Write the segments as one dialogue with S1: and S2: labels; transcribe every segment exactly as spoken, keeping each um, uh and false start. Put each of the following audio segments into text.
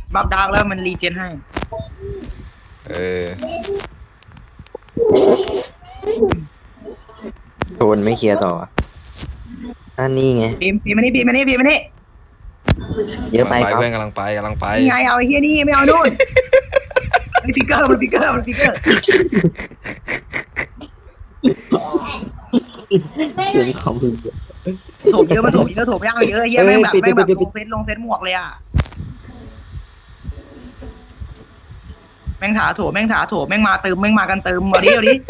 S1: บัฟดาร์กแล้วมันรีเจนให้
S2: เออ
S3: โดนไม่เคลียร์ต่ออันนี้ไง
S1: พีมพีมมานี่พีมมานี่พีมมานี่
S3: เยอะ
S2: กำ
S3: ไป
S2: ลังไป
S3: ครับ
S2: เพื่อนกำลังไปกำลังไป
S1: นี่ไงเอาไอ้เฮียนี่ไม่เอานู่นมันฟิกเกอร์มันฟิกเกอร์มันฟิกเกอร์
S3: เสียงเขาคือ
S1: โถมเยอะมันโถมเยอะโถมยากเยอะเฮียแม่งแบบแม่งแบบลงเซตลงเซตหมวกเลยอ่ะแม่งถาโถมแม่งถาโถมแม่งมาเติมแม่งมากันเติมเอาดิเอาดิ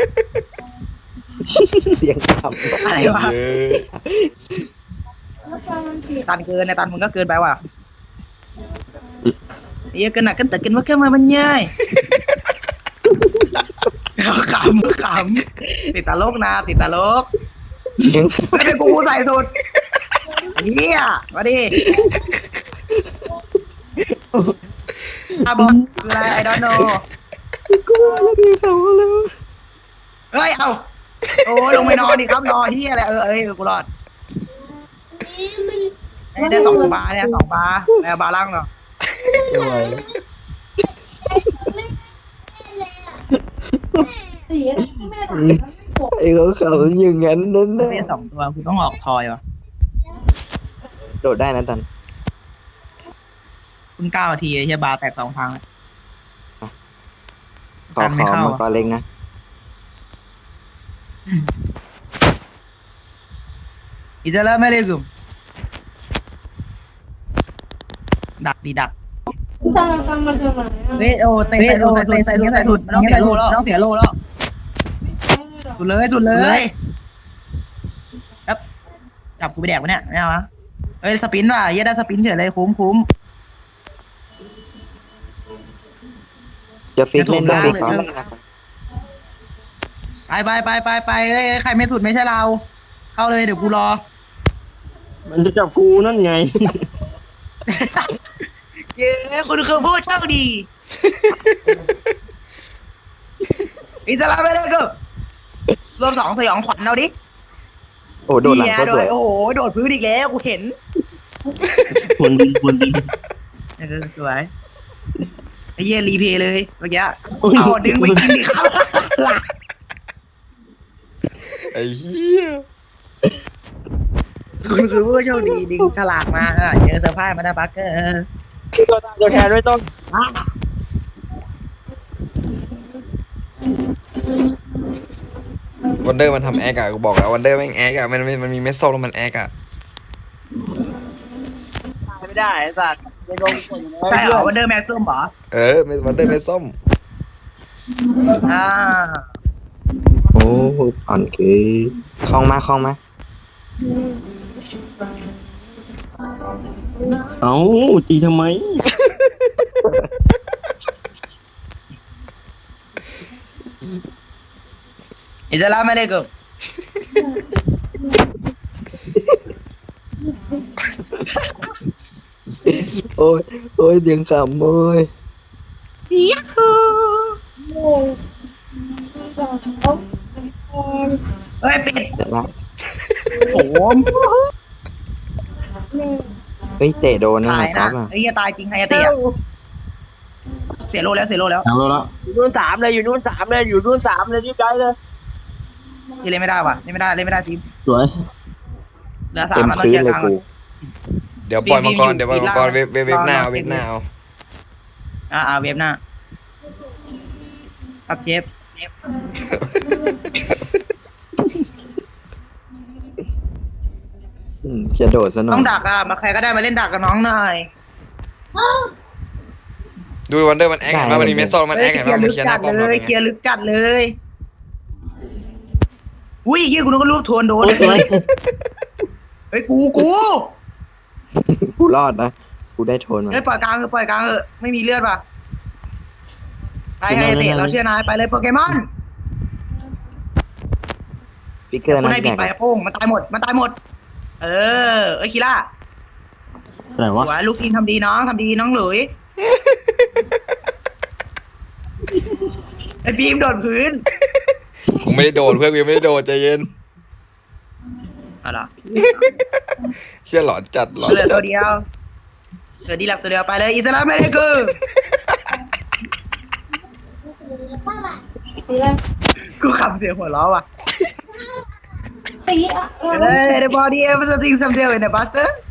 S3: เสียงขำ
S1: อะไรวะ
S2: เยอะ
S1: ตันเกินในตันมึงก็เกินไปว่ะเฮียเกินหนักกันแต่กินว่าแค่มามันง่ายขำขำติดตลกนะติดตลก
S3: เสียง
S1: ไม่เป็นกูใส่สุดเฮียมาดิอาบอลอะไรไอดอนโน
S3: กูว่าแล้วดีเขาแล้ว
S1: เฮ้ยเอาโอ้ลงไปนอนดิครับนอนเฮียอะไรเออเอ้ยกูรอดได้สองบาร์เนี่ยสองบาร์แล้วบาร์ล่างเนาะ
S3: ไม่ไหวไอ้เขาเขาอย่างนั้นนั่นแหละ
S1: ได้สองตัวกูต้องออกทอยวะ
S3: โดดได้นะตัน
S1: คุณเก้านาทีไอ้เฮียบาร์แตกสองทางแล้ว
S3: ขอ
S1: ตัน
S3: ข
S1: ไม่
S3: อ
S1: เข้า
S3: มังกรเล็กนะ
S1: อิสลามอะลัยกุมดักดีดักเฮ้ยโอ้เตะใส่สุดใส่สุดใส่สุดใส่สุดมันต้องเสียโลแล้วต้องเสียโลแล้วสุดเลยสุดเลยครับจับกูไปแดกวะเนี่ยไม่เอาวะเฮ้ยสปินว่ะเฮียได้สปินเฉยเลยคุ้มคุ้ม
S3: จะฟิกเล่นด้วย
S1: จะ
S3: ฟิ
S1: ถู
S3: ก
S1: ก
S3: เขา
S1: บ้างเลย ไปไปไปไปไปเฮ้ยใครไม่สุดไม่ใช่เรา เข้าเลยเดี๋ยวกูรอ
S4: มันจะจับกูนั่นไง
S1: เย้คุณคือผู้โชคดีอิสลามไปเลยกูรวมสองสยองขวัญเอาดิ
S3: โอ้โดดหลังก็สวย
S1: โอ้โหโดดพื้นอีกแล้วกูเห็น
S4: ควรดีควรดี
S1: เออสวยไอ้เหี้ยรีเพย์เลยเมื่อกี้เอาดึงไปกินดิครับหลัก
S2: ไอ้เหี้ย
S1: คุณคือผู้โชคดีดึงฉลากมาอ่ะเจอเซอร์ไพรส์มาได้บัคเกอร์
S4: ตัวแทนไม่ต้อง
S2: วันเดอร์มันทำแอคอะกูบอกแล้ววันเดอร์แม่งแอคอะมันมันมันมีเม็ดส้มแล้วมันแอคอะ
S4: ไม่ได้ไอ้สัตว์ไม่ลงคนอย่าง
S1: ใช่เหรอวันเดอร์แม็กซ์ส้มเหรอ
S2: เออวันเดอร์เม็ดส้ม
S1: อ่า
S3: โอ้อ่อนคือคล่องมาคล่องมา
S4: เอ้าตีทำไม
S1: อิสลามอะลัยกุม
S3: โอ้ยโอ้ยเสียงขำโอ้ย
S1: ยักฮูเฮ้ยเป็ด
S3: แต่ละ
S1: โถม
S3: เฮ้ยเตะโดนนะ
S1: ตาย
S3: ครั
S1: นะ
S3: บอ่ะ
S1: ไอ้เหี้ยตายจริงไฮยาเตะอะเสียโลแล้วเสียโลแล้ว
S4: เอาแล้ว อยู่นู่นสามเลยอยู่นู่นสามเลยอยู่นู่นสามเลยรีบไปเลย
S1: ที่เล่นไม่ได้ว่ะเล่นไม่ได้เล่นไม่ได้ทีม
S4: สวย
S1: เหลือสาม
S3: เต็ม
S1: มาต้อง
S3: พื้
S1: เคลี
S3: น
S1: ยร์
S3: เล
S1: ก
S3: ย
S1: ลาง
S3: กู
S2: เดี๋ยวปล่อยมังกร
S1: ปีน
S2: เดี๋ยวปล่อยมังกร
S1: ปีน
S2: เวฟเวฟเวฟหน้าเอา
S1: ปี
S2: เวน ฟหน้าเอา
S1: อ่าอ่าเวฟหน้าครับเชฟเชฟ
S3: อืมจะโดดซะหน่อ
S1: ต้อย งดักอ่ะมาใครก็ได้มาเล่นดักกับน้องหน่อย
S2: ดูวันเดอร์มันแอคเห็นว่ามันมีเม็ดส้มมันแอค
S1: เฮ้
S2: เห็
S1: ย
S2: น
S1: เคลี
S2: ว่าย
S1: ร์
S2: มัน
S1: ลึก
S2: เคลียร์ห
S1: จั
S2: น้า
S1: ด
S2: ป้อมเราเป็นไง
S1: เลยเคลียร์ลึกจัดเลยอุ้ยเฮียกูนึกว่าลูกทวนโดน
S4: สวย
S1: เฮ้ยกูกู
S3: กูรอดนะกูได้โทนมา
S1: เฮ้ยปล่อยกลางเถอะปล่อยกลางเถอะไม่มีเลือดป่ะไปไฮยาเตะเราเชื่อนายไปเลยโปเกมอน
S3: ฟิกเกอร์
S1: คุณ
S3: นะ
S1: ให้บิ
S3: แด
S1: ด
S3: ก
S1: ไปโป้งมันตายหมดมันตายหมด เออเอ้ยคีล่า
S4: อะไร
S1: ส
S4: วะ
S1: วยลูกทีมทำดีน้องทำดีน้องหลุยไอ้พีมโดดพื้น
S2: กูไม่ได้โดนเพื่อนกูยังไม่ได้โดนใจเย็น
S1: อะไร
S2: เชี่ยหลอนจัดหลอน
S1: เหลือ
S2: จั
S1: ตั
S2: ด
S1: วเดียวเหลืออดีหลับตัวเดียวไปเลยอิสลามไม่ได้กูกูขำเสียงหัวเราะว่ะ
S5: สีอ่ะ
S1: เฮ้ย the body ever something some deal in the buster